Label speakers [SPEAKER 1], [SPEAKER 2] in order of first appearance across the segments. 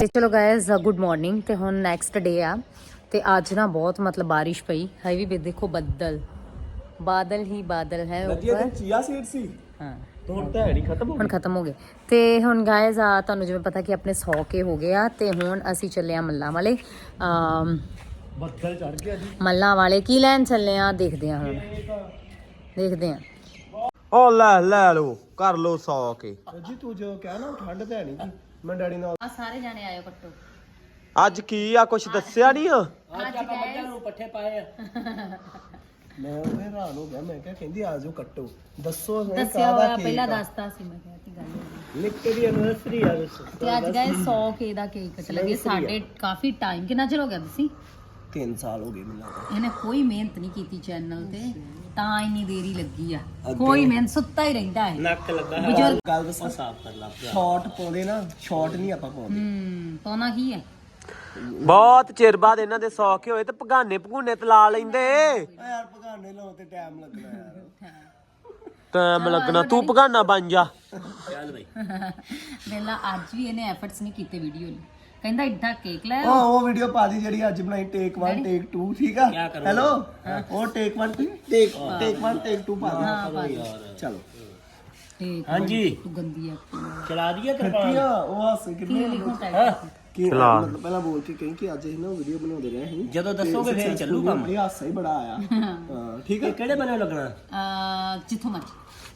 [SPEAKER 1] ਚਲੋ guys good morning. ਤੇ ਹੁਣ ਨੈਕਸਟ ਡੇ ਆ ਤੇ ਅੱਜ ਨਾ ਬਹੁਤ ਮਤਲਬ ਬਾਰਿਸ਼ ਪਈ ਹੈ ਵੀ ਦੇਖੋ ਬਾਦਲ ਹੀ ਬਾਦਲ ਹੈ ਉੱਪਰ।
[SPEAKER 2] ਚੀਆ ਸੀਡ ਸੀ
[SPEAKER 1] ਹਾਂ
[SPEAKER 2] ਹੁਣ ਤਾਂ ਹੈ ਨਹੀਂ
[SPEAKER 1] ਹੁਣ ਖਤਮ ਹੋ ਗਏ। ਤੇ ਹੁਣ ਗਾਇਜ਼ ਆ ਤੁਹਾਨੂੰ ਜਿਵੇਂ ਪਤਾ ਕਿ ਆਪਣੇ 100 ਕੇ ਹੋ ਗਏ ਆ ਤੇ ਹੁਣ ਅਸੀਂ ਚੱਲੇ ਆ ਮੱਲਾਂ ਵਾਲੇ।
[SPEAKER 2] ਬੱਦਲ ਚੜ ਗਿਆ ਜੀ।
[SPEAKER 1] ਮੱਲਾਂ ਵਾਲੇ ਕੀ ਲੈਣ ਚੱਲੇ ਆ ਦੇਖਦੇ ਆ ਹੁਣ ਦੇਖਦੇ ਆ।
[SPEAKER 2] ਓ ਲੈ ਲੋ ਕਰ ਲੋ 100 ਕੇ ਜੀ। ਤੂੰ ਜੋ ਕਹਿ ਨਾ ਠੰਡ ਤੇ ਹੈ ਨਹੀਂ ਜੀ। ਮੈਂ ਡੈਡੀ ਨਾਲ
[SPEAKER 1] ਆ ਸਾਰੇ ਜਾਣੇ ਆਇਓ ਕੱਟੋ।
[SPEAKER 2] ਅੱਜ ਕੀ ਆ ਕੁਛ ਦੱਸਿਆ ਨਹੀਂ ਆ।
[SPEAKER 1] ਅੱਜ ਆਪਾਂ ਮੱਝਾਂ
[SPEAKER 3] ਨੂੰ ਪੱਠੇ ਪਾਏ ਆ।
[SPEAKER 2] ਮੈਂ ਉਹ ਹੈਰਾਨ ਹੋ ਗਿਆ। ਮੈਂ ਕਿਹਾ ਕਹਿੰਦੀ ਆ ਜਾਓ ਕੱਟੋ। ਦੱਸੋ
[SPEAKER 1] ਦੱਸਿਆ ਹੋਇਆ ਪਹਿਲਾਂ ਦੱਸਤਾ ਸੀ। ਮੈਂ ਕਿਹਾ ਕਿ ਗੱਲ
[SPEAKER 2] ਨਿੱਕੇ ਦੀ ਐਨਵਰਸਰੀ ਆ ਦੱਸੋ।
[SPEAKER 1] ਤੇ ਅੱਜ ਗਏ 100 ਕੇ ਦਾ ਕੇਕ ਕੱਟ ਲੱਗੇ। ਸਾਡੇ ਕਾਫੀ ਟਾਈਮ ਕਿੰਨਾ ਚਿਰ ਹੋ ਗਿਆ ਤੁਸੀਂ
[SPEAKER 2] 3 ਸਾਲ ਹੋ ਗਏ ਮੈਨੂੰ ਲੱਗਦਾ।
[SPEAKER 1] ਇਹਨੇ ਕੋਈ ਮਿਹਨਤ ਨਹੀਂ ਕੀਤੀ ਚੈਨਲ ਤੇ ਤਾਂ ਇੰਨੀ ਦੇਰੀ ਲੱਗੀ ਆ। ਕੋਈ ਮਿਹਨਤ ਸੁੱਤਾ ਹੀ ਰਹਿੰਦਾ ਹੈ।
[SPEAKER 3] ਨੱਕ ਲੱਗਾ
[SPEAKER 1] ਬਜ਼ੁਰਗ
[SPEAKER 2] ਗੱਲ ਦੱਸਾਂ ਸਾਫ਼ ਕਰ ਲਾ। ਸ਼ਾਰਟ ਪਾਉਂਦੇ ਨਾ ਸ਼ਾਰਟ ਨਹੀਂ ਆਪਾਂ ਪਾਉਂਦੇ।
[SPEAKER 1] ਪਾਉਣਾ ਕੀ ਹੈ।
[SPEAKER 2] ਬਹੁਤ ਚਿਰ ਬਾਅਦ ਇਹਨਾਂ ਦੇ 100 ਕੇ ਹੋਏ ਤੇ ਭਗਾਨੇ ਭਗੂਨੇ ਤੇ ਲਾ ਲੈਂਦੇ। ਯਾਰ ਭਗਾਨੇ ਲਾਉ ਤੇ ਟਾਈਮ ਲੱਗਣਾ ਯਾਰ। ਟਾਈਮ ਲੱਗਣਾ ਤੂੰ ਭਗਾਨਾ ਬਣ ਜਾ।
[SPEAKER 3] ਚੱਲ ਬਈ
[SPEAKER 1] ਵੇਲਾ ਅੱਜ ਵੀ ਇਹਨੇ ਐਫਰਟਸ ਨਹੀਂ ਕੀਤੇ ਵੀਡੀਓ ਲਈ। ਕਹਿੰਦਾ ਇੱਡਾ ਕੇਕ ਲੈ
[SPEAKER 2] ਉਹ ਵੀਡੀਓ ਪਾ ਦੀ ਜਿਹੜੀ ਅੱਜ ਬਣਾਈ ਟੇਕ 1 ਟੇਕ 2 ਠੀਕ ਆ। ਹੈਲੋ ਉਹ ਟੇਕ 1 ਟੇਕ 1 ਟੇਕ 2 ਪਾ ਦੇ। ਚਲੋ
[SPEAKER 3] ਹਾਂਜੀ
[SPEAKER 1] ਤੂੰ ਗੰਦੀ ਆ
[SPEAKER 3] ਚਲਾ ਦਈਏ
[SPEAKER 2] ਕੀ ਆ ਉਹ ਹੱਸ ਕਿੰਨੇ
[SPEAKER 1] ਲਿਖੋ ਟਾਈਪ
[SPEAKER 2] ਕੀ ਮਤਲਬ ਪਹਿਲਾਂ ਬੋਲ ਕੇ ਕਹੀਂ ਕਿ ਅੱਜ ਅਸੀਂ ਨਾ ਵੀਡੀਓ ਬਣਾਉਂਦੇ ਰਹੇ ਸੀ।
[SPEAKER 3] ਜਦੋਂ ਦੱਸੋਗੇ ਫੇਰ ਚੱਲੂ ਕੰਮ।
[SPEAKER 2] ਇਹ ਹਾਸਾ ਹੀ ਬੜਾ ਆਇਆ। ਹਾਂ ਠੀਕ ਹੈ।
[SPEAKER 3] ਕਿਹੜੇ ਬਣੇ ਲੱਗਣਾ
[SPEAKER 1] ਜਿੱਥੋਂ ਮਰਜੀ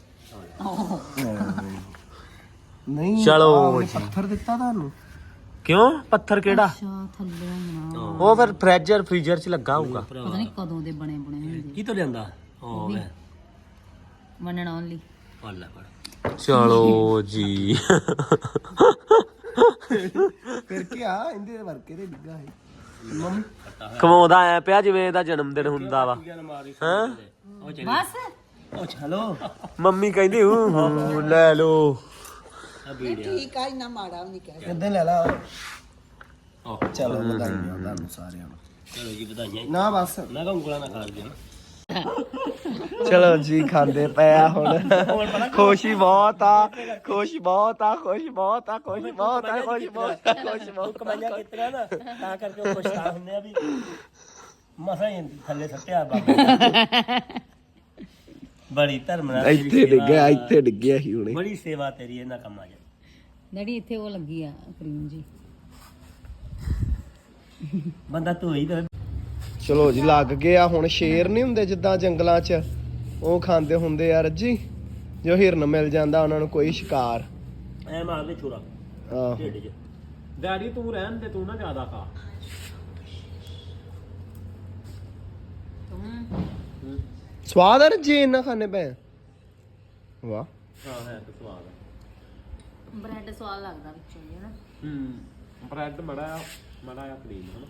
[SPEAKER 2] ਨਹੀਂ
[SPEAKER 3] ਚਲੋ ਜੀ।
[SPEAKER 2] ਪੱਥਰ ਦਿੱਤਾ ਤੁਹਾਨੂੰ
[SPEAKER 3] ਕਿਉਂ ਪੱਥਰ ਕਿਹੜਾ
[SPEAKER 1] ਅੱਛਾ ਥੱਲੇ ਹੋਣਾ
[SPEAKER 2] ਉਹ ਫਿਰ ਫ੍ਰੀਜ਼ਰ ਚ ਲੱਗਾ ਹੋਊਗਾ।
[SPEAKER 1] ਪਤਾ ਨਹੀਂ ਕਦੋਂ ਦੇ ਬਣੇ ਹੁੰਦੇ
[SPEAKER 3] ਕੀ ਤੋਂ ਲਿਆਂਦਾ ਉਹ ਵੇ
[SPEAKER 1] ਵਨ ਓਨਲੀ
[SPEAKER 3] ਵਾਲਾ ਪਰ
[SPEAKER 2] ਚਲੋ ਜੀ। ਫਿਰ ਕੀ ਆ ਇਹਦੇ ਵਰਕੇ ਦੇ ਡਿੱਗਾ ਹੈ। ਮੰਮੀ ਕਮਾਉਂਦਾ ਐ ਪਿਆ ਜਿਵੇਂ ਇਹਦਾ ਜਨਮ ਦਿਨ ਹੁੰਦਾ ਵਾ। ਹਾਂ
[SPEAKER 1] ਬਸ
[SPEAKER 3] ਉਹ ਚਲੋ
[SPEAKER 2] ਮੰਮੀ ਕਹਿੰਦੀ ਹੂੰ ਲੈ ਲੋ।
[SPEAKER 4] ਠੀਕ ਆ ਇੰਨਾ ਮਾੜਾ ਵੀ ਨਹੀਂ ਕਹਿ
[SPEAKER 2] ਕਿੱਦਾਂ ਲੈ ਲਾ। ਚਲੋ ਵਧਾਈਆਂ ਤੁਹਾਨੂੰ ਸਾਰਿਆਂ ਨੂੰ।
[SPEAKER 3] ਚਲੋ ਜੀ ਵਧਾਈਆਂ।
[SPEAKER 2] ਨਾ ਬਸ
[SPEAKER 3] ਮੈਂ ਕਹਾਂ ਉਂਗਲਾਂ ਨਾ ਖਾ ਦੇ।
[SPEAKER 2] ਚਲੋ ਜੀ ਖਾਂਦੇ ਪਿਆ ਹੁਣ। ਖੁਸ਼ੀ ਬਹੁਤ ਆ ਖੁਸ਼ੀ ਬਹੁਤ ਆ ਖੁਸ਼ੀ ਬਹੁਤ ਆ ਖੁਸ਼ੀ ਬਹੁਤ ਆ ਖੁਸ਼ੀ ਬਹੁਤ ਆ ਖੁਸ਼ੀ ਬਹੁਤ
[SPEAKER 3] ਕਮਾਈਆਂ ਕਿਤਨਾ ਨਾ ਤਾਂ ਕਰਕੇ ਉਹ ਖੁਸ਼ ਹੁੰਦੇ ਆ ਵੀ ਮਸਾਂ ਹੀ ਥੱਲੇ ਸੱਟਿਆ ਬਾਬਾ। ਬੜੀ ਧਰਮ ਨਾਲ
[SPEAKER 2] ਇੱਥੇ ਡਿੱਗਿਆ ਸੀ ਹੁਣੇ।
[SPEAKER 3] ਬੜੀ ਸੇਵਾ ਤੇਰੀ ਇਹਨਾਂ ਕੰਮਾਂ 'ਚ।
[SPEAKER 1] ਡੈਡੀ ਇੱਥੇ ਉਹ ਲੱਗੀ ਆ ਕਰੀਮ ਜੀ।
[SPEAKER 3] ਬੰਦਾ ਧੋਈ ਤੇ
[SPEAKER 2] ਚਲੋ ਜੀ ਲੱਗ ਗਿਆ ਹੁਣ। ਸ਼ੇਰ ਨਹੀਂ ਹੁੰਦੇ ਜਿੱਦਾਂ ਜੰਗਲਾਂ 'ਚ ਉਹ ਖਾਂਦੇ ਹੁੰਦੇ ਆ ਰੱਜੀ। ਜੋ ਹਿਰਨ ਮਿਲ ਜਾਂਦਾ ਉਹਨਾਂ ਨੂੰ ਕੋਈ ਸ਼ਿਕਾਰ
[SPEAKER 3] ਐ ਮਾਰਦੇ ਛੁਰਾ
[SPEAKER 2] ਆਹੋ।
[SPEAKER 3] ਢਿੱਡ 'ਚ। ਡੈਡੀ ਤੂੰ ਰਹਿਣ ਦੇ ਤੂੰ ਨਾ ਜ਼ਿਆਦਾ ਖਾ।
[SPEAKER 2] ਸਵਾਦ ਆ ਰੱਜੀ ਇੰਨਾ ਖਾਣੇ ਪਏ। ਵਾਹ
[SPEAKER 3] ਹਾਂ ਹੈ ਤਾਂ ਸਵਾਦ ਹੈ।
[SPEAKER 1] ਬ੍ਰੈਡ ਸਵਾਦ ਲੱਗਦਾ ਵਿੱਚੋਂ ਜੀ ਨਾ।
[SPEAKER 3] ਬ੍ਰੈਡ ਮੜਾ ਆ ਕਰੀਮ ਹਨਾ।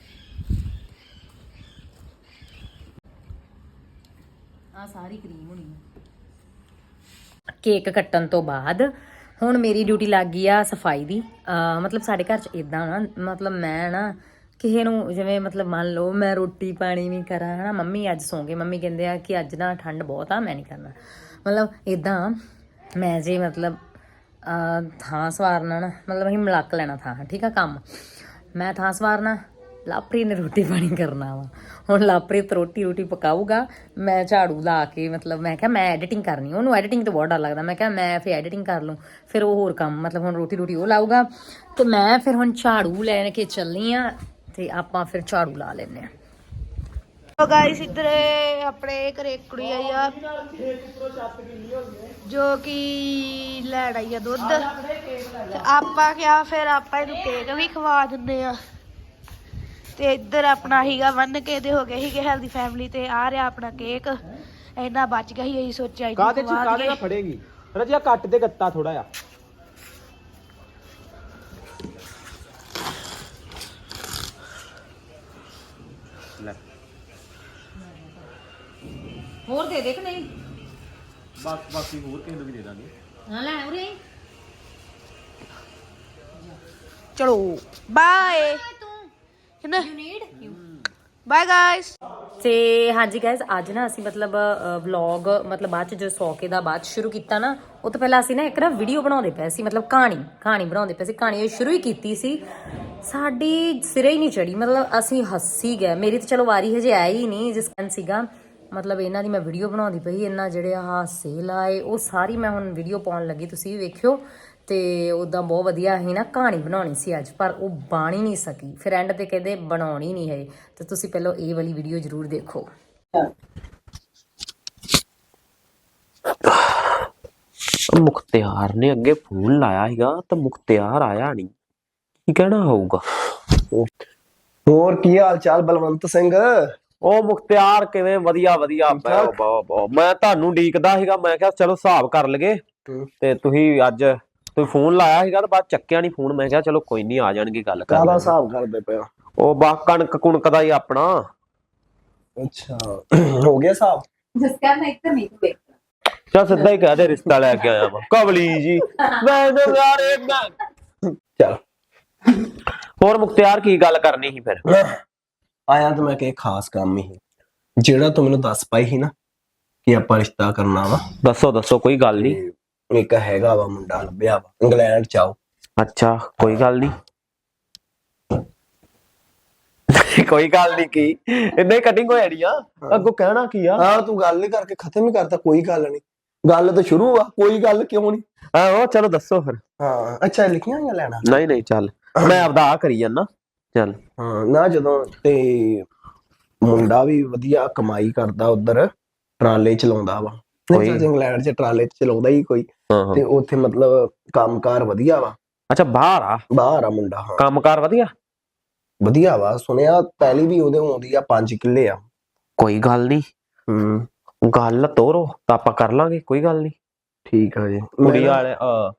[SPEAKER 1] ਆ ਸਾਰੀ ਕਰੀਮ ਹੋਣੀ ਹੈ। ਕੇਕ ਕੱਟਣ ਤੋਂ ਬਾਅਦ ਹੁਣ ਮੇਰੀ ਡਿਊਟੀ ਲੱਗ ਗਈ ਆ ਸਫਾਈ ਦੀ। ਮਤਲਬ ਸਾਡੇ ਘਰ 'ਚ ਇਦਾਂ ਨਾ ਮਤਲਬ ਮੈਂ ਨਾ ਕਿਸੇ ਨੂੰ ਜਿਵੇਂ ਮਤਲਬ ਮੰਨ ਲਓ ਮੈਂ ਰੋਟੀ ਪਾਣੀ ਨਹੀਂ ਕਰਾਂ ਹਨਾ। ਮੰਮੀ ਅੱਜ ਸੌਂ ਗਏ। ਮੰਮੀ ਕਹਿੰਦੇ ਆ ਕਿ ਅੱਜ ਨਾ ਠੰਡ ਬਹੁਤ ਆ ਮੈਂ ਨਹੀਂ ਕਰਨਾ। ਮਤਲਬ ਇਦਾਂ ਮੈਂ ਜੇ ਮਤਲਬ ਥਾਂ ਸਵਾਰਨਾ ਨਾ ਮਤਲਬ ਅਸੀਂ ਮਿਲਕ ਲੈਣਾ ਥਾਂ ਠੀਕ ਆ ਕੰਮ। ਮੈਂ ਥਾਂ ਸਵਾਰਨਾ ਲਾਪ੍ਰੀਤ ਨੇ ਰੋਟੀ ਪਾਣੀ ਕਰਨਾ ਵਾ। ਹੁਣ ਲਾਪ੍ਰੀਤ ਰੋਟੀ ਪਕਾਊਗਾ ਮੈਂ ਝਾੜੂ ਲਾ ਕੇ ਮਤਲਬ ਮੈਂ ਕਿਹਾ ਮੈਂ ਐਡੀਟਿੰਗ ਕਰਨੀ। ਉਹਨੂੰ ਐਡੀਟਿੰਗ ਤੋਂ ਬਹੁਤ ਡਰ ਲੱਗਦਾ। ਮੈਂ ਕਿਹਾ ਮੈਂ ਫਿਰ ਐਡੀਟਿੰਗ ਕਰ ਲੂੰ ਫਿਰ ਉਹ ਹੋਰ ਕੰਮ ਮਤਲਬ ਹੁਣ ਰੋਟੀ ਉਹ ਲਾਊਗਾ ਤੇ ਮੈਂ ਫਿਰ ਹੁਣ ਝਾੜੂ ਲੈ ਕੇ ਚੱਲਣੀ ਆ ਤੇ ਆਪਾਂ ਫਿਰ ਝਾੜੂ ਲਾ ਲੈਂਦੇ ਆ।
[SPEAKER 4] ਸੋ ਗਾਇਸ ਇੱਧਰ ਆਪਣੇ ਘਰੇ ਕੁੜੀ ਆਈ ਆ ਜੋ ਕਿ ਲੈਣ ਆਈ ਆ ਦੁੱਧ ਤੇ ਆਪਾਂ ਕਿਹਾ ਫਿਰ ਆਪਾਂ ਇਹਨੂੰ ਕੇਕ ਵੀ ਖਵਾ ਦਿੰਦੇ ਆ। ਤੇ ਇੱਧਰ ਆਪਣਾ ਹੀਗਾ ਬੰਨ ਕੇ ਤੇ ਹੋ ਗਏ ਸੀਗੇ ਹੈਲਦੀ ਫੈਮਿਲੀ ਤੇ ਆ ਰਿਹਾ ਆਪਣਾ ਕੇਕ। ਇੰਨਾ ਬਚ ਗਿਆ ਸੀ ਅਸੀਂ ਸੋਚਿਆ
[SPEAKER 2] ਕਾਹਦੇ ਨਾਲ ਫੜੇਗੀ ਰਜਿਆ ਕੱਟ ਦੇ ਗੱਤਾ ਥੋੜਾ ਜਿਹਾ। ਲੈ
[SPEAKER 1] ਹੋਰ ਦੇ ਦੇ ਕਿ ਨਹੀਂ
[SPEAKER 2] ਬਾਕੀ ਹੋਰ ਕਿਸੇ ਨੂੰ ਵੀ ਦੇ ਦਾਂਗੇ।
[SPEAKER 1] ਹਾਂ ਲੈ ਉਰੇ
[SPEAKER 4] ਚਲੋ ਬਾਏ
[SPEAKER 1] ਤੂੰ
[SPEAKER 4] ਕਿੰਨਾ
[SPEAKER 1] ਯੂ ਨੀਡ
[SPEAKER 4] ਬਾਏ ਗਾਇਸ।
[SPEAKER 1] ਤੇ ਹਾਂਜੀ ਗਾਇਸ ਅੱਜ ਨਾ ਅਸੀਂ ਮਤਲਬ ਵਲੌਗ ਮਤਲਬ ਬਾਅਦ ਚ ਜੋ ਸੌ ਕੇ ਦਾ ਬਾਅਦ ਸ਼ੁਰੂ ਕੀਤਾ ਨਾ ਉਹ ਤੋਂ ਪਹਿਲਾਂ ਅਸੀਂ ਨਾ ਇੱਕ ਨਾ ਵੀਡੀਓ ਬਣਾਉਂਦੇ ਪਏ ਸੀ ਮਤਲਬ ਕਹਾਣੀ ਬਣਾਉਂਦੇ ਪਏ ਸੀ ਕਹਾਣੀ ਸ਼ੁਰੂ ਹੀ ਕੀਤੀ ਸੀ ਸਾਡੀ ਸਿਰੇ ਹੀ ਨਹੀਂ ਚੜੀ ਮਤਲਬ ਅਸੀਂ ਹੱਸੀ ਗਏ ਮੇਰੀ ਤਾਂ ਚਲੋ ਵਾਰੀ ਹਜੇ ਆਈ ਹੀ ਨਹੀਂ ਜਿਸ ਕਾਰਨ ਸੀਗਾ ਮਤਲਬ ਇਹਨਾਂ ਦੀ ਮੈਂ ਵੀਡੀਓ ਬਣਾਉਂਦੀ ਪਈ ਇਹਨਾਂ ਜਿਹੜੇ ਹਾਸੇ ਲਾਏ ਉਹ ਸਾਰੀ ਮੈਂ ਹੁਣ ਵੀਡੀਓ ਪਾਉਣ ਲੱਗੀ ਤੁਸੀਂ ਵੀ ਵੇਖਿਓ ਤੇ ਉਦਾਂ ਬਹੁਤ ਵਧੀਆ ਸੀ ਨਾ ਕਹਾਣੀ ਬਣਾਉਣੀ ਸੀ ਅੱਜ ਪਰ ਉਹ ਬਣ ਹੀ ਨਹੀਂ ਸਕੀ ਫਿਰ ਐਂਡ ਤੇ ਕਹਿੰਦੇ ਬਣਾਉਣੀ ਨਹੀਂ ਹੈ ਤੇ ਤੁਸੀਂ ਪਹਿਲਾਂ ਇਹ ਵਾਲੀ ਵੀਡੀਓ ਜ਼ਰੂਰ ਦੇਖੋ
[SPEAKER 2] ਮੁਖਤਿਆਰ ਨੇ ਅੱਗੇ ਫੋਨ ਲਾਇਆ ਸੀਗਾ ਤਾਂ ਮੁਖਤਿਆਰ ਆਇਆ ਨਹੀਂ ਕੀ ਕਹਿਣਾ ਹੋਊਗਾ
[SPEAKER 5] ਹੋਰ ਕੀ ਹਾਲ ਚਾਲ ਬਲਵੰਤ ਸਿੰਘ?
[SPEAKER 2] ਉਹ ਮੁਖਤਿਆਰ ਕਿਵੇਂ ਵਧੀਆ ਮੈਂ ਤੁਹਾਨੂੰ ਡੀਕਦਾ ਸੀਗਾ ਮੈਂ ਕਿਹਾ ਚਲੋ ਹਿਸਾਬ ਕਰ ਲਈਏ ਤੇ ਤੁਸੀਂ ਫੋਨ ਲਾਇਆ ਸੀਗਾ ਤੇ ਬਾਅਦ ਚੱਕਿਆ ਨਹੀਂ ਫੋਨ ਮੈਂ ਕਿਹਾ ਚਲੋ ਕੋਈ ਨਹੀਂ ਆ ਜਾਣਗੇ ਗੱਲ ਕਰ
[SPEAKER 5] ਕਾਹਦਾ ਹਿਸਾਬ ਕਰਦੇ ਪਏ?
[SPEAKER 2] ਉਹ ਬਾ ਕਣਕ ਕੁਣਕ ਦਾ ਹੀ ਆਪਣਾ
[SPEAKER 5] ਅੱਛਾ ਹੋ ਗਿਆ ਹਿਸਾਬ?
[SPEAKER 2] ਚੱਲ ਸਿੱਧਾ ਹੀ ਕਹਿ ਦੇ ਰਿਸ਼ਤਾ ਲੈ ਕੇ ਆਇਆ ਵਾ ਕਬਲੀ ਜੀ ਮੈਂ
[SPEAKER 5] ਚੱਲ
[SPEAKER 2] ਹੋਰ ਮੁਖਤਿਆਰ ਕੀ ਗੱਲ ਕਰਨੀ ਸੀ ਫਿਰ
[SPEAKER 5] ਆਇਆ ਤਾਂ ਮੈਂ ਕਿ ਖਾਸ ਕੰਮ ਹੀ ਜਿਹੜਾ ਤੂੰ ਮੈਨੂੰ ਦੱਸ ਪਾਈ ਸੀ ਨਾ ਕਿ ਆਪਾਂ ਰਿਸ਼ਤਾ ਕਰਨਾ ਵਾ
[SPEAKER 2] ਦੱਸੋ ਕੋਈ ਗੱਲ ਨਹੀਂ
[SPEAKER 5] ਇੱਕ ਹੈਗਾ ਵਾ ਮੁੰਡਾ ਲੱਭਿਆ ਵਾ ਇੰਗਲੈਂਡ ਚ ਆਓ
[SPEAKER 2] ਅੱਛਾ ਕੋਈ ਗੱਲ ਨਹੀਂ ਕੋਈ ਗੱਲ ਨਹੀਂ ਕੀ ਇੰਨੇ ਕਟਿੰਗ ਹੋ ਜਾਣੀ ਆ ਅੱਗੋਂ ਕਹਿਣਾ ਕੀ ਆ
[SPEAKER 5] ਹਾਂ ਤੂੰ ਗੱਲ ਹੀ ਕਰਕੇ ਖਤਮ ਹੀ ਕਰਤਾ ਕੋਈ ਗੱਲ ਨਹੀਂ ਗੱਲ ਤਾਂ ਸ਼ੁਰੂ ਆ ਕੋਈ ਗੱਲ ਕਿਉਂ ਨਹੀਂ
[SPEAKER 2] ਆਹੋ ਚਲੋ ਦੱਸੋ ਫਿਰ
[SPEAKER 5] ਹਾਂ ਅੱਛਾ ਲਿਖੀਆਂ ਜਾਂ ਲੈਣਾ
[SPEAKER 2] ਨਹੀਂ ਚੱਲ ਮੈਂ ਆਪਦਾ ਆ ਕਰੀ ਜਾਂਦਾ ਚੱਲ
[SPEAKER 5] ਹਾਂ ਨਾ ਜਦੋਂ ਤੇ ਮੁੰਡਾ ਵੀ ਵਧੀਆ ਕਮਾਈ ਕਰਦਾ ਉਧਰ ਟਰਾਲੇ ਚਲਾਉਂਦਾ ਵਾ ਇੰਗਲੈਂਡ ਚ ਟਰਾਲੇ ਚਲਾਉਂਦਾ ਹੀ ਕੋਈ ਤੇ ਉੱਥੇ ਮਤਲਬ ਕੰਮਕਾਰ ਵਧੀਆ ਵਾ
[SPEAKER 2] ਅੱਛਾ ਬਾਹਰ ਆ ਮੁੰਡਾ ਹਾਂ ਕੰਮਕਾਰ ਵਧੀਆ
[SPEAKER 5] ਵਾ ਸੁਣਿਆ ਪਹਿਲੀ ਵੀ ਉਹਦੇ ਆਉਂਦੀ ਆ 5 ਕਿੱਲੇ ਆ
[SPEAKER 2] ਕੋਈ ਗੱਲ ਨਹੀਂ ਗੱਲ ਤੋਰੋ ਤਾਂ ਆਪਾਂ ਕਰ ਲਾਂਗੇ ਕੋਈ ਗੱਲ ਨਹੀਂ
[SPEAKER 5] ਠੀਕ ਆ ਜੀ
[SPEAKER 2] ਕੁੜੀ ਵਾਲੇ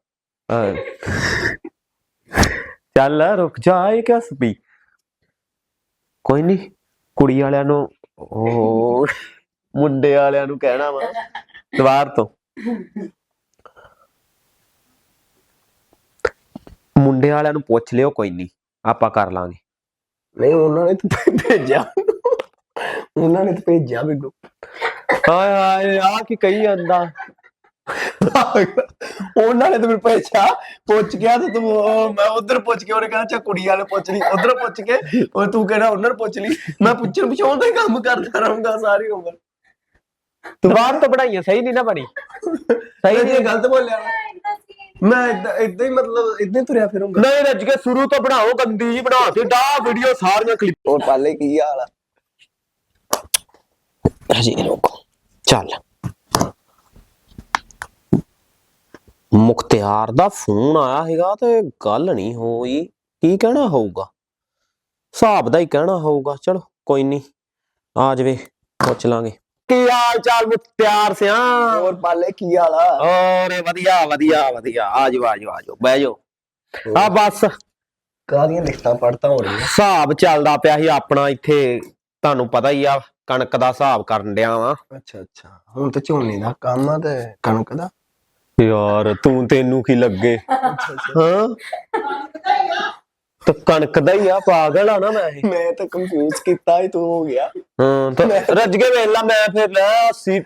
[SPEAKER 2] ਚੱਲ ਰੁਕ ਜਾ ਇਹ ਕਿਆ ਸਪੀ ਕੋਈ ਨਹੀਂ ਕੁੜੀ ਵਾਲਿਆਂ ਨੂੰ ਉਹ ਮੁੰਡੇ ਵਾਲਿਆਂ ਨੂੰ ਕਹਿਣਾ ਵਾ ਦੁਬਾਰ ਤੋਂ ਮੁੰਡੇ ਵਾਲਿਆਂ ਨੂੰ ਪੁੱਛ ਲਿਓ ਕੋਈ ਨਹੀਂ ਆਪਾਂ ਕਰ ਲਾਂਗੇ
[SPEAKER 5] ਨਹੀਂ ਉਹਨਾਂ ਨੇ ਤਾਂ ਭੇਜਿਆ ਮੈਨੂੰ
[SPEAKER 2] ਹਾਏ ਆ ਕੀ ਕਹੀ ਜਾਂਦਾ
[SPEAKER 5] ਉਹਨਾਂ ਨੇ ਤਾਂ ਮੈਨੂੰ ਭੇਜਿਆ ਪੁੱਛ ਗਿਆ ਤੇ ਤੂੰ ਮੈਂ ਉਧਰ ਪੁੱਛ ਕੇ ਉਹਨੇ ਕਹਿੰਦਾ ਚਾ ਕੁੜੀ ਵਾਲੇ ਪੁੱਛ ਲਈ ਉਧਰ ਪੁੱਛ ਕੇ ਉਹ ਤੂੰ ਕਹਿੰਦਾ ਉਹਨਾਂ ਨੂੰ ਪੁੱਛ ਲਈ ਮੈਂ ਪੁੱਛਣ ਪਿਛਾਉਣ ਦਾ ਹੀ ਕੰਮ ਕਰਦਾ ਰਹੂੰਗਾ ਸਾਰੀ ਉਮਰ
[SPEAKER 2] ਦੁਬਾਰ ਤੋਂ ਪੜਾਈਆਂ ਸਹੀ ਨਹੀਂ ਨਾ ਬਣੀ
[SPEAKER 5] ਸਹੀ ਨਹੀਂ ਗਲਤ ਬੋਲਿਆ ਮੈਂ ਏਦਾਂ ਹੀ ਮਤਲਬ ਏਦਾਂ ਹੀ ਤੁਰਿਆ ਫਿਰੂੰਗਾ
[SPEAKER 2] ਨਹੀਂ ਰੱਜ ਕੇ ਸ਼ੁਰੂ ਤੋਂ ਬਣਾਓ ਗੰਦੀ ਜੀ ਬਣਾ ਤੇ ਡਾ ਵੀਡੀਓ ਸਾਰੀਆਂ ਕਲਿੱਪ
[SPEAKER 5] ਹੋਰ ਪਾਲੇ ਕੀ ਹਾਲ ਆ
[SPEAKER 2] ਹਜੀ ਰੋਕੋ ਚੱਲ ਮੁਖਤਿਆਰ ਦਾ ਫੋਨ ਆਇਆ ਹੈਗਾ ਤੇ ਗੱਲ ਨਹੀਂ ਹੋਈ ਕੀ ਕਹਿਣਾ ਹੋਊਗਾ ਹਿਸਾਬ ਦਾ ਹੀ ਕਹਿਣਾ ਹੋਊਗਾ ਚਲੋ ਕੋਈ ਨਹੀਂ ਆ ਜਾਵੇ ਪੁੱਛ ਲਾਂਗੇ ਕੀ ਹਾਲ ਚਾਲ ਮੁਖਤਿਆਰ ਸਿਆ
[SPEAKER 5] ਹੋਰ ਪਾਲੇ ਕੀ ਹਾਲ ਆ
[SPEAKER 2] ਓਰੇ ਵਧੀਆ ਆ ਜਾਓ ਬਹਿ ਜਾਓ ਆ ਬਸ
[SPEAKER 5] ਕਾਹਦੀਆਂ ਲਿਖਤਾਂ ਪੜਤਾ ਹੋ ਰਹੀਆਂ
[SPEAKER 2] ਹਿਸਾਬ ਚੱਲਦਾ ਪਿਆ ਸੀ ਆਪਣਾ ਇੱਥੇ ਤੁਹਾਨੂੰ ਪਤਾ ਹੀ ਆ ਕਣਕ ਦਾ ਹਿਸਾਬ ਕਰਨ ਡਿਆ ਵਾ
[SPEAKER 5] ਅੱਛਾ ਹੁਣ ਤਾਂ ਝੋਨੇ ਦਾ ਕੰਮ ਆ ਤੇ ਕਣਕ ਦਾ
[SPEAKER 2] ਯਾਰ ਤੈਨੂੰ ਕੀ ਲੱਗੇ ਹਾਂ ਤੇ ਕਣਕ ਦਾ ਹੀ ਆ ਪਾਗਲ ਆ ਨਾ
[SPEAKER 5] ਮੈਂ ਤਾਂ ਕੰਫਿਊਜ਼ ਕੀਤਾ ਹੀ ਤੂੰ ਹੋ ਗਿਆ
[SPEAKER 2] ਹਾਂ ਤਾਂ ਰੱਜ ਕੇ ਵੇਖ ਲਾ ਮੈਂ ਫਿਰ ਲੈ 80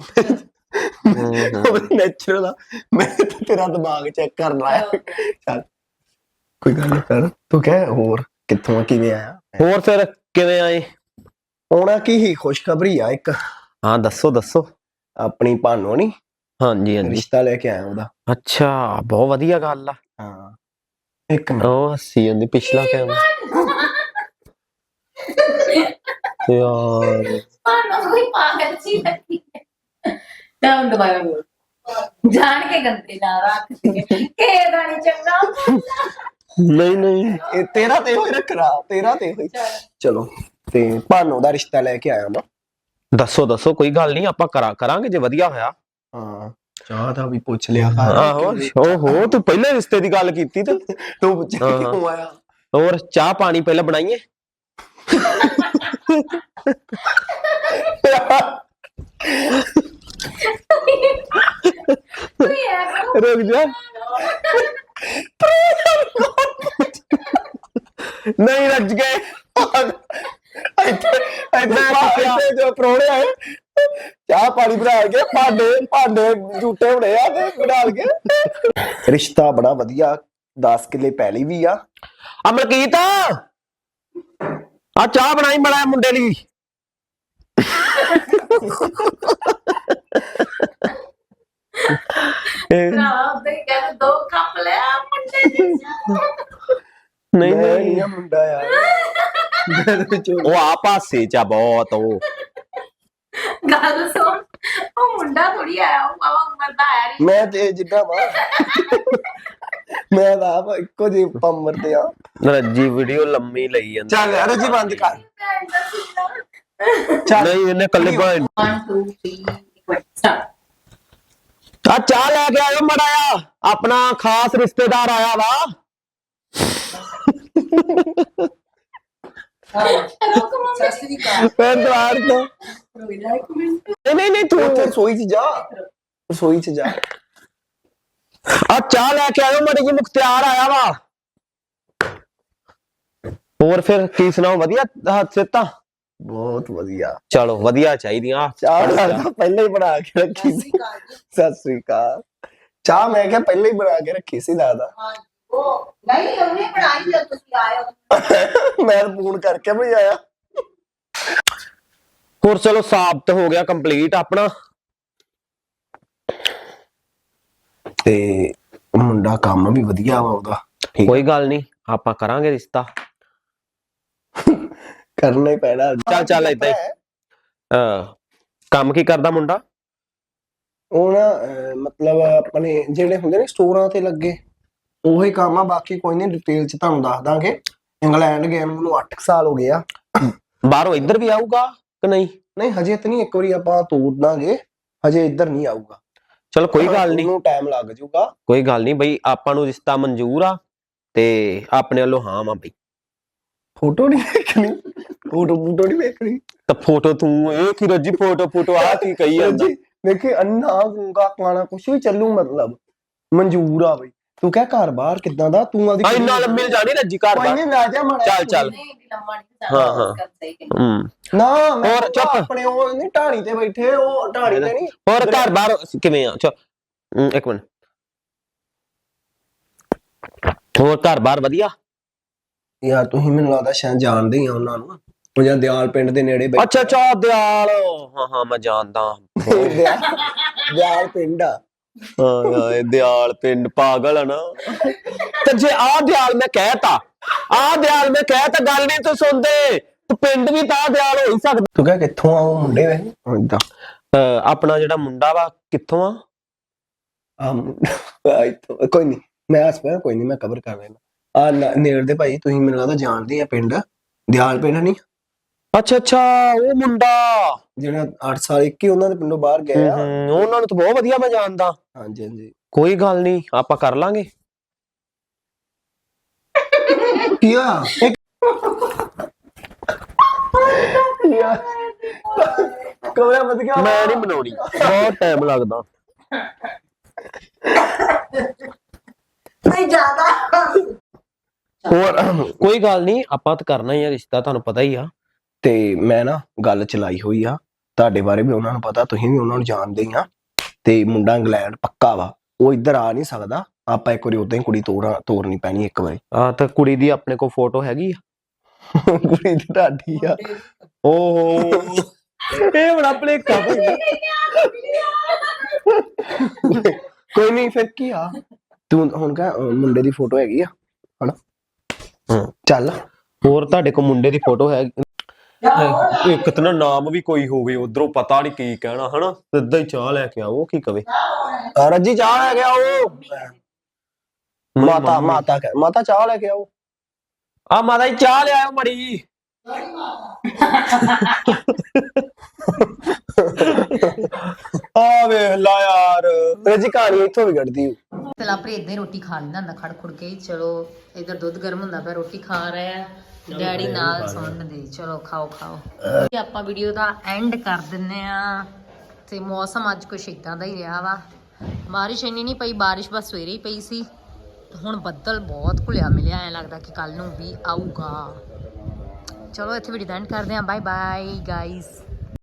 [SPEAKER 5] ਨੈਚੁਰਲ ਆ ਮੈਂ ਤਾਂ ਤੇਰਾ ਦਿਮਾਗ ਚੈੱਕ ਕਰਨ ਆਇਆ ਚੱਲ ਕੋਈ ਗੱਲ ਨਹੀਂ ਕਰ ਤੂੰ ਕਹਿ ਹੋਰ ਕਿੱਥੋਂ ਕਿਵੇਂ ਆਇਆ
[SPEAKER 2] ਹੋਰ ਫਿਰ ਕਿਵੇਂ ਆਏ
[SPEAKER 5] ਆਉਣਾ ਕੀ ਹੀ ਖੁਸ਼ਖਬਰੀ ਆ ਇੱਕ
[SPEAKER 2] ਹਾਂ ਦੱਸੋ
[SPEAKER 5] ਆਪਣੀ ਭਾਨੋ ਨੀ
[SPEAKER 2] ਹਾਂਜੀ
[SPEAKER 5] ਰਿਸ਼ਤਾ ਲੈ ਕੇ ਆਇਆ ਉਹਦਾ
[SPEAKER 2] ਅੱਛਾ ਬਹੁਤ ਵਧੀਆ ਗੱਲ ਆ
[SPEAKER 5] ਹਾਂ ਇੱਕ ਮਿੰਟ
[SPEAKER 2] ਉਹ ਹੱਸੀ ਜਾਂਦੀ ਪਿਛਲਾ ਕਿਉਂ ਯਾਰ
[SPEAKER 1] ਸਾਨੂੰ ਕੋਈ ਪਾਗਲ ਸੀ ਲੱਗੀ ਤਾਂ ਦੁਬਾਰਾ ਬੋਲ ਜਾਣ ਕੇ ਗੰਦੇ ਨਾ ਰੱਖ ਕੇ ਗਾਣੀ ਚੰਗਾ
[SPEAKER 2] ਨਹੀਂ
[SPEAKER 5] ਇਹ ਤੇਰਾ ਤੇ ਹੋਈ ਰੱਖਣਾ ਤੇਰਾ ਤੇ ਹੋਈ ਚਲੋ ਤੇ ਭਾਨੋ ਦਾ ਰਿਸ਼ਤਾ ਲੈ ਕੇ ਆਇਆ ਮੈਂ
[SPEAKER 2] ਦੱਸੋ ਕੋਈ ਗੱਲ ਨਹੀਂ ਆਪਾਂ ਕਰਾਂਗੇ ਜੇ ਵਧੀਆ ਹੋਇਆ
[SPEAKER 5] ਹਾਂ ਚਾਹ ਦਾ ਵੀ ਪੁੱਛ ਲਿਆ
[SPEAKER 2] ਆਹੋ ਓਹੋ ਤੂੰ ਪਹਿਲੇ ਰਿਸ਼ਤੇ ਦੀ ਗੱਲ ਕੀਤੀ ਤੇ
[SPEAKER 5] ਤੂੰ ਪੁੱਛਿਆ ਕਿਉਂ ਆਇਆ
[SPEAKER 2] ਹੋਰ ਚਾਹ ਪਾਣੀ ਪਹਿਲਾਂ ਬਣਾਈਏ रुक जा नहीं रज गए
[SPEAKER 5] ਇੱਥੇ ਜੋ ਪ੍ਰਾਹੁਣੇ ਆਏ ਚਾਹ ਪਾਣੀ ਬਣਾ ਕੇ ਭਾਂਡੇ ਝੂਟੇ ਹੋਣੇ ਆ ਤੇ ਬਣਾ ਕੇ ਰਿਸ਼ਤਾ ਬੜਾ ਵਧੀਆ 10 ਕਿੱਲੇ ਪੈਲੀ ਵੀ ਆ।
[SPEAKER 2] ਅਮਰਕੀਤ ਆ ਚਾਹ ਬਣਾਈ ਬੜਾ ਮੁੰਡੇ ਲਈ। ਨਹੀਂ
[SPEAKER 5] ਨਹੀਂ ਆ ਮੁੰਡਾ ਯਾਰ
[SPEAKER 2] ਉਹ ਆ ਪਾਸੇ ਚ ਆ ਬਹੁਤ ਉਹ
[SPEAKER 1] ਗੱਲ ਸੁਣ, ਉਹ ਮੁੰਡਾ ਥੋੜੀ ਆਇਆ, ਉਹ ਬਾਬਾ ਉਮਰ ਦਾ ਆਇਆ ਨਹੀਂ।
[SPEAKER 5] ਮੈਂ ਤੇ ਜਿੱਦਾਂ ਵਾ ਮੈਂ ਤਾਂ ਆਪ ਇੱਕੋ ਜਿਹੀ ਪੰਮਰ ਤੇ ਆ।
[SPEAKER 2] ਰੱਜੀ ਵੀਡੀਓ ਲੰਮੀ ਲਈ ਜਾਂਦਾ।
[SPEAKER 5] ਚੱਲ ਯਾਰ ਜੀ ਬੰਦ ਕਰ।
[SPEAKER 2] ਨਹੀਂ ਇਹਨੇ ਕੱਲੇ
[SPEAKER 1] 1 2 3 ਸਟਾਰਟ।
[SPEAKER 2] ਆ ਚਾਹ ਲੈ ਕੇ ਆਇਓ ਮੜਾ ਆ, ਆਪਣਾ ਖਾਸ ਰਿਸ਼ਤੇਦਾਰ ਆਇਆ ਵਾ। ਪੈਂਦਵਾਰ ਤੋਂ ਨਹੀਂ ਤੂੰ
[SPEAKER 5] ਉੱਥੇ ਰਸੋਈ 'ਚ ਜਾ, ਰਸੋਈ 'ਚ ਜਾ।
[SPEAKER 2] ਆ ਚਾਹ ਲੈ ਕੇ ਆਇਓ ਮੜੀ ਜੀ, ਮੁਖਤਿਆਰ ਆਇਆ ਵਾ। ਹੋਰ ਫਿਰ ਕੀ ਸੁਣਾਓ, ਵਧੀਆ ਸਿਹਤਾਂ?
[SPEAKER 5] ਬਹੁਤ ਵਧੀਆ।
[SPEAKER 2] ਚਲੋ ਵਧੀਆ ਚਾਹੀਦੀਆਂ।
[SPEAKER 5] ਚਾਹ ਤਾਂ ਪਹਿਲਾਂ ਹੀ ਬਣਾ ਕੇ ਰੱਖੀ ਸੀ। ਸਤਿ ਸ੍ਰੀ ਅਕਾਲ। ਚਾਹ ਮੈਂ ਕਿਹਾ ਪਹਿਲਾਂ ਹੀ ਬਣਾ ਕੇ ਰੱਖੀ ਸੀ ਦਾਦਾ।
[SPEAKER 6] ਨਹੀਂ ਉਹਨੇ ਬਣਾਈ ਜਦ ਤੁਸੀਂ ਆਏ ਹੋ।
[SPEAKER 5] ਮੈਂ ਫੋਨ ਕਰਕੇ ਵੀ ਆਇਆ।
[SPEAKER 2] ਹੋਰ ਚਲੋ ਸਾਬਤ ਹੋ ਗਿਆ ਕੰਪਲੀਟ ਆਪਣਾ।
[SPEAKER 5] ਤੇ ਮੁੰਡਾ ਕੰਮ ਵੀ ਵਧੀਆ ਵਾ ਉਹਦਾ।
[SPEAKER 2] ਕੋਈ ਗੱਲ ਨਹੀਂ, ਆਪਾਂ ਕਰਾਂਗੇ ਰਿਸ਼ਤਾ।
[SPEAKER 5] ਕਰਨਾ ਹੀ ਪੈਣਾ।
[SPEAKER 2] ਚੱਲ ਏਦਾਂ ਹੀ। ਕੰਮ ਕੀ ਕਰਦਾ ਮੁੰਡਾ?
[SPEAKER 5] ਉਹ ਨਾ ਮਤਲਬ ਆਪਣੇ ਜਿਹੜੇ ਹੁੰਦੇ ਨੇ ਸਟੋਰਾਂ ਤੇ ਲੱਗੇ ਉਹੀ ਕੰਮ ਆ। ਬਾਕੀ ਕੋਈ ਨਹੀਂ, ਡਿਟੇਲ ਚ ਤੁਹਾਨੂੰ ਦੱਸ ਦਾਂਗੇ। ਇੰਗਲੈਂਡ ਗਏ ਨੂੰ 8 ਸਾਲ ਹੋ ਗਏ ਆ।
[SPEAKER 2] ਬਾਹਰੋਂ ਇੱਧਰ ਵੀ ਆਊਗਾ ਕਿ ਨਹੀਂ?
[SPEAKER 5] ਨਹੀਂ ਹਜੇ ਤੇ ਨਹੀਂ, ਇੱਕ ਵਾਰੀ ਆਪਾਂ ਤੋੜ ਦਾਂਗੇ, ਹਜੇ ਇੱਧਰ ਨਹੀਂ ਆਊਗਾ।
[SPEAKER 2] ਚਲ ਕੋਈ ਗੱਲ ਨਹੀਂ,
[SPEAKER 5] ਉਹਨੂੰ ਟਾਈਮ ਲੱਗ ਜਾਊਗਾ।
[SPEAKER 2] ਕੋਈ ਗੱਲ ਨਹੀਂ ਬਈ, ਆਪਾਂ ਨੂੰ ਰਿਸ਼ਤਾ ਮਨਜ਼ੂਰ ਆ ਤੇ ਆਪਣੇ ਵੱਲੋਂ ਹਾਂ ਵਾ ਬਈ।
[SPEAKER 5] ਫੋਟੋ ਨਹੀਂ ਵੇਖਣੀ, ਫੋਟੋ ਨਹੀਂ ਵੇਖਣੀ।
[SPEAKER 2] ਤਾਂ ਫੋਟੋ ਤੂੰ ਇਹ ਕੀ ਰੱਜੀ ਫੋਟੋ ਆ ਕੀ ਕਹੀ ਜਾਂਦਾ?
[SPEAKER 5] ਦੇਖੇ ਅੰਨਾ ਗੂੰਗਾ ਕਾਣਾ ਕੁਛ ਵੀ ਚੱਲੂ, ਮਤਲਬ ਮਨਜ਼ੂਰ ਆ ਬਈ। ਤੂੰ ਕਹਿ ਘਰ ਬਾਹਰ ਕਿੱਦਾਂ ਦਾ ਤੂੰ ਆਦੀ
[SPEAKER 2] ਇੰਨਾ ਲੰਮੀ ਜਾਣੀ ਰੱਜੀ ਘਰ
[SPEAKER 5] ਕੋਈ ਨਹੀਂ ਲੈ ਜਾ ਮਾੜਾ।
[SPEAKER 2] ਚੱਲ
[SPEAKER 5] ਨਾ
[SPEAKER 2] ਹੋਰ ਚੁੱਪ।
[SPEAKER 5] ਆਪਣੇ ਉਹ ਨਹੀਂ ਢਾਣੀ ਤੇ ਬੈਠੇ, ਉਹ ਢਾਣੀ ਤੇ ਨਹੀਂ।
[SPEAKER 2] ਹੋਰ ਘਰ ਬਾਹਰ ਕਿਵੇਂ ਆ? ਚਲ ਇੱਕ ਮਿੰਟ। ਹੋਰ ਘਰ ਬਾਹਰ ਵਧੀਆ?
[SPEAKER 5] ਯਾਰ ਤੁਸੀਂ ਮੈਨੂੰ ਲੱਗਦਾ ਸ਼ਾਇਦ ਜਾਣਦੇ ਹੀ ਆ ਉਹਨਾਂ ਨੂੰ। ਉਹ ਜਾਂ ਦਿਆਲ ਪਿੰਡ ਦੇ ਨੇੜੇ ਬੈਠੇ।
[SPEAKER 2] ਅੱਛਾ ਦਿਆਲ। ਹਾਂ ਮੈਂ ਜਾਣਦਾ।
[SPEAKER 5] ਦਿਆਲ ਪਿੰਡ ਆ।
[SPEAKER 2] ਹਾਂ ਦਿਆਲ ਪਿੰਡ ਪਾਗਲ ਆ ਨਾ। ਤੇ ਜੇ ਆ ਦਿਆਲ ਮੈਂ ਕਹਿਤਾ ਗੱਲ ਨਹੀਂ ਤੂੰ ਸੁਣਦੇ। ਤੂੰ ਪਿੰਡ ਵੀ ਤਾਂ ਦਿਆਲ ਹੋ ਹੀ ਸਕਦਾ।
[SPEAKER 5] ਤੂੰ ਕਹਿ ਕਿੱਥੋਂ ਆ ਉਹ ਮੁੰਡੇ ਵੇ? ਇਦਾਂ
[SPEAKER 2] ਆਪਣਾ ਜਿਹੜਾ ਮੁੰਡਾ ਵਾ ਕਿੱਥੋਂ ਆ?
[SPEAKER 5] ਕੋਈ ਨਹੀਂ, ਮੈਂ ਆਸ-ਪਾਸ ਕੋਈ ਨਹੀਂ, ਮੈਂ ਕਵਰ ਕਰ ਲੈਣਾ। ਆ ਨੇੜ ਦੇ ਭਾਈ ਤੁਸੀਂ ਮੈਨੂੰ ਲੱਗਦਾ ਜਾਣਦੇ ਆ ਪਿੰਡ ਦਿਆਲ ਪਿੰਡ ਨਹੀਂ?
[SPEAKER 2] ਅੱਛਾ ਉਹ ਮੁੰਡਾ
[SPEAKER 5] ਜਿਹੜਾ 8 ਸਾਲ ਇੱਕ ਹੀ ਉਹਨਾਂ ਦੇ ਪਿੰਡੋਂ ਬਾਹਰ ਗਏ ਆ।
[SPEAKER 2] ਉਹਨਾਂ ਨੂੰ ਤਾਂ ਬਹੁਤ ਵਧੀਆ ਮੈਂ ਜਾਣਦਾ।
[SPEAKER 5] ਹਾਂਜੀ
[SPEAKER 2] ਕੋਈ ਗੱਲ ਨਹੀਂ, ਆਪਾਂ ਕਰ ਲਾਂਗੇ।
[SPEAKER 5] ਕੀ ਆ ਕਮਰਾ ਮਤ ਗਿਆ।
[SPEAKER 2] ਮੈਂ ਨਹੀਂ ਬਣਾਉਣੀ, ਬਹੁਤ ਟਾਈਮ ਲੱਗਦਾ।
[SPEAKER 6] ਨਹੀਂ ਜ਼ਿਆਦਾ
[SPEAKER 2] ਹੋਰ ਕੋਈ ਗੱਲ ਨਹੀਂ, ਆਪਾਂ ਤਾਂ ਕਰਨਾ ਹੀ ਆ ਰਿਸ਼ਤਾ, ਤੁਹਾਨੂੰ ਪਤਾ ਹੀ ਆ।
[SPEAKER 5] ਤੇ ਮੈਂ ਨਾ ਗੱਲ ਚਲਾਈ ਹੋਈ ਆ, ਤੁਹਾਡੇ ਬਾਰੇ ਵੀ ਉਹਨਾਂ ਨੂੰ ਪਤਾ, ਤੁਸੀਂ ਵੀ ਉਹਨਾਂ ਨੂੰ ਜਾਣਦੇ ਹੀ ਆ। ਤੇ ਮੁੰਡਾ ਇੰਗਲੈਂਡ ਪੱਕਾ ਵਾ, ਉਹ ਇੱਧਰ ਆ ਨਹੀਂ ਸਕਦਾ। ਆਪਾਂ ਇੱਕ ਵਾਰੀ ਉਦਾਂ ਹੀ ਕੁੜੀ ਤੋਰਨੀ ਪੈਣੀ ਇੱਕ ਵਾਰੀ।
[SPEAKER 2] ਤਾਂ ਕੁੜੀ ਦੀ ਆਪਣੇ ਕੋਲ ਫੋਟੋ ਹੈਗੀ ਆ?
[SPEAKER 5] ਕੁੜੀ ਤੇ ਤੁਹਾਡੀ ਆ।
[SPEAKER 2] ਓਹੋ ਇਹ ਬੜਾ ਭਲੇਖਾ ਪੈਂਦਾ।
[SPEAKER 5] ਕੋਈ ਨਹੀਂ ਫਿਰ ਕੀ ਆ, ਤੂੰ ਹੁਣ ਕਹ ਮੁੰਡੇ ਦੀ ਫੋਟੋ ਹੈਗੀ ਆ ਹਨਾ? ਚੱਲ
[SPEAKER 2] ਹੋਰ ਤੁਹਾਡੇ ਕੋਲ ਮੁੰਡੇ ਦੀ ਫੋਟੋ ਹੈ? ਇੱਕ ਤਾਂ ਨਾਮ ਵੀ ਕੋਈ ਹੋਵੇ, ਉਧਰੋਂ ਪਤਾ ਨਹੀਂ ਕੀ ਕਹਿਣਾ ਹਨਾ। ਸਿੱਧਾ ਹੀ ਚਾਹ ਲੈ ਕੇ ਆਓ, ਕੀ ਕਵੇ?
[SPEAKER 5] ਰੱਜੀ ਚਾਹ ਲੈ ਕੇ ਆਓ। ਮਾਤਾ ਚਾਹ ਲੈ ਕੇ ਆਓ।
[SPEAKER 2] ਆ ਮਾਤਾ ਜੀ ਚਾਹ ਲਿਆਓ ਮੜੀ। ਆ ਵੇਖ ਲਾ ਯਾਰ,
[SPEAKER 5] ਰੱਜੀ ਕਹਾਣੀ ਇੱਥੋਂ ਵੀ ਕੱਢਦੀ।
[SPEAKER 1] ਪਹਿਲਾਂ ਪਰ ਇਦਾਂ ਹੀ ਰੋਟੀ ਖਾ ਲੈਂਦਾ ਹੁੰਦਾ ਖੜ ਖੁੜ ਕੇ। ਚਲੋ ਇਧਰ ਦੁੱਧ ਗਰਮ ਹੁੰਦਾ ਪਿਆ, ਰੋਟੀ ਖਾ ਰਿਹਾ ਡੈਡੀ ਨਾਲ ਸੁਣਨ ਦੇ। ਚਲੋ ਖਾਓ ਆਪਾਂ ਵੀਡੀਓ ਦਾ ਐਂਡ ਕਰ ਦਿੰਨੇ ਆ। ਤੇ ਮੌਸਮ ਅੱਜ ਕੁਛ ਇਦਾਂ ਦਾ ਹੀ ਰਿਹਾ ਵਾ। ਬਾਰਿਸ਼ ਇੰਨੀ ਨਹੀਂ ਪਈ, ਬਾਰਿਸ਼ ਬਸ ਸਵੇਰੇ ਹੀ ਪਈ ਸੀ। ਹੁਣ ਬੱਦਲ ਬਹੁਤ ਘੁਲਿਆ ਮਿਲਿਆ, ਐ ਲੱਗਦਾ ਕਿ ਕੱਲ ਨੂੰ ਵੀ ਆਊਗਾ। ਚਲੋ ਇੱਥੇ ਵੀਡੀਓ ਦਾ ਐਂਡ ਕਰਦੇ ਹਾਂ। Bye bye guys.